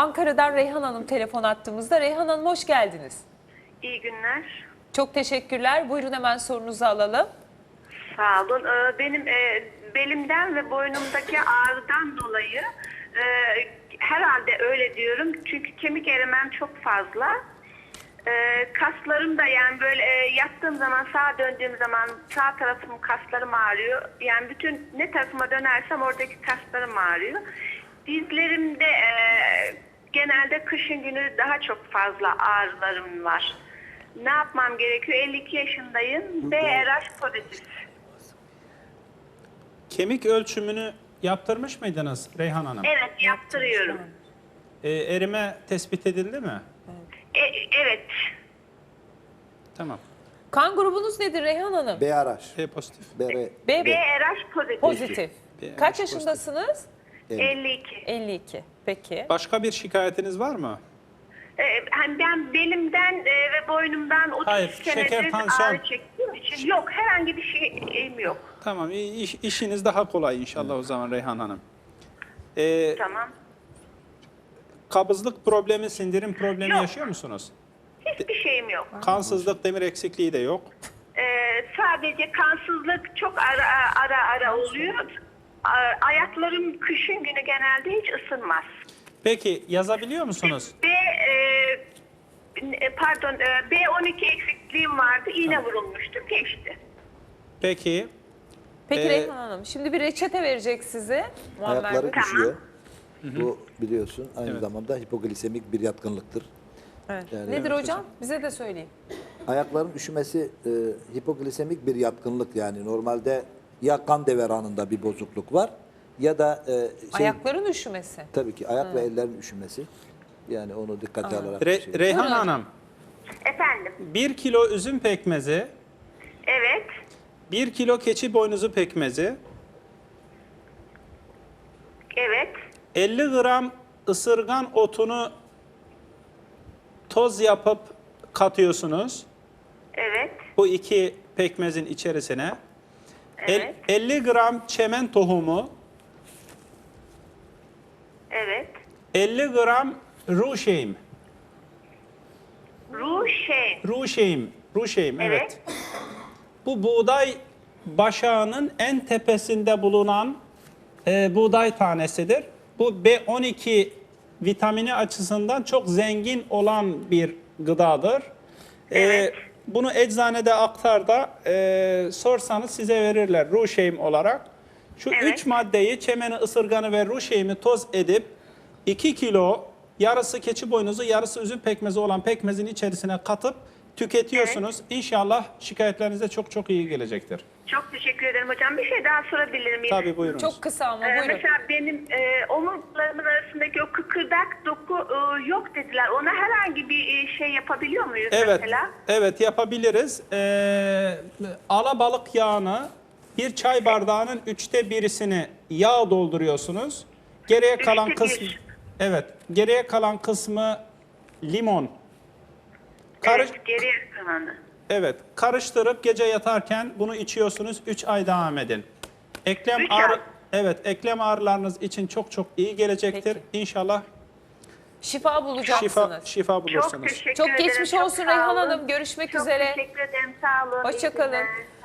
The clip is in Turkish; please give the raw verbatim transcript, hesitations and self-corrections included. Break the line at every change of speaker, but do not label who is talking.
Ankara'dan Reyhan Hanım telefon attığımızda. Reyhan Hanım hoş geldiniz.
İyi günler.
Çok teşekkürler. Buyurun hemen sorunuzu alalım.
Sağ olun. Ee, Benim e, belimden ve boynumdaki ağrıdan dolayı e, herhalde öyle diyorum. Çünkü kemik erimem çok fazla. E, kaslarım da yani böyle e, yattığım zaman, sağa döndüğüm zaman sağ tarafım kaslarım ağrıyor. Yani bütün ne tarafıma dönersem oradaki kaslarım ağrıyor. Dizlerimde e, genelde kışın günü daha çok fazla ağrılarım var. Ne yapmam gerekiyor? elli iki yaşındayım. B R H pozitif.
Kemik ölçümünü yaptırmış mıydınız Reyhan Hanım?
Evet, yaptırıyorum.
Ee, erime tespit edildi mi?
E, evet.
Tamam.
Kan grubunuz nedir Reyhan Hanım?
B R H.
E pozitif.
B R.
B
B R H pozitif.
pozitif.
B-
Kaç
pozitif.
yaşındasınız?
elli iki.
elli iki. Peki.
Başka bir şikayetiniz var mı?
Ee, hani ben belimden e, ve boynumdan otuz
Hayır, şeker,
senedir
tansiyon.
ağrı çektiğim için yok. Herhangi bir şeyim yok.
Tamam. iş, işiniz daha kolay inşallah o zaman Reyhan Hanım. Ee,
Tamam.
kabızlık problemi, sindirim problemi
Yok.
yaşıyor musunuz?
Hiçbir şeyim yok.
Kansızlık, demir eksikliği de yok.
Ee, sadece kansızlık çok ara ara ara oluyor. A- Ayaklarım kışın günü genelde hiç ısınmaz.
Peki yazabiliyor musunuz?
B e, pardon e, B on iki eksikliğim vardı. İğne vurulmuştum. Geçti.
Peki.
Peki
Ee,
Reyhan Hanım şimdi bir reçete verecek size. Muammer
Ayakları
Bey.
üşüyor. Bu biliyorsun aynı
Evet.
zamanda hipoglisemik bir yatkınlıktır.
Evet.
Yani-
Nedir
Evet
hocam? Bize de söyleyin.
Ayakların üşümesi e, hipoglisemik bir yatkınlık yani normalde ya kan devranında bir bozukluk var ya da e, şey,
Ayakların üşümesi.
tabii ki ayak ve ellerin üşümesi. Yani onu dikkate alarak bir
Re-
şey.
Reyhan
Buyurun.
Hanım,
Efendim.
bir kilo üzüm pekmezi,
Evet.
bir kilo keçi boynuzu pekmezi,
Evet.
elli gram ısırgan otunu toz yapıp katıyorsunuz.
Evet.
Bu iki pekmezin içerisine. El-
Evet.
elli gram çemen tohumu,
Evet.
elli gram ruşeym.
Ruşen.
Ruşeym, ruşeym evet.
Evet.
Bu buğday başağının en tepesinde bulunan e, buğday tanesidir. Bu B on iki vitamini açısından çok zengin olan bir gıdadır. E,
Evet.
bunu eczanede aktarda e, sorsanız size verirler ruşeym olarak. Şu
Evet.
üç maddeyi çemeni, ısırganı ve ruşeymi toz edip iki kilo yarısı keçi boynuzu, yarısı üzüm pekmezi olan pekmezin içerisine katıp tüketiyorsunuz. İnşallah şikayetlerinize çok çok iyi gelecektir.
Çok teşekkür ederim hocam. Bir şey daha sorabilir miyim?
Tabii buyurunuz.
Çok kısa ama
Ee,
buyurun.
mesela benim e, omurlarımın arasındaki o kıkırdak doku e, yok dediler. Ona herhangi bir e, şey yapabiliyor muyuz
Evet,
mesela?
evet yapabiliriz. Ee, alabalık yağını bir çay bardağının üçte birisini yağ dolduruyorsunuz. Geriye kalan
Üçte bir.
kısmı, evet, geriye kalan kısmı limon. Karış,
Evet, geriye kalanı.
evet, karıştırıp gece yatarken bunu içiyorsunuz. üç ay devam edin. Eklem
Üç
ağrı,
ay.
evet, eklem ağrılarınız için çok çok iyi gelecektir.
Peki.
İnşallah
Şifa bulacaksınız.
şifa şifa
Çok
bulursunuz.
teşekkür
Çok
ederim.
geçmiş
çok
olsun
sağ
Reyhan
olun.
Hanım. Görüşmek
çok
üzere.
Çok teşekkür ederim. Sağ olun. İyi
Hoşça kalın.
günler.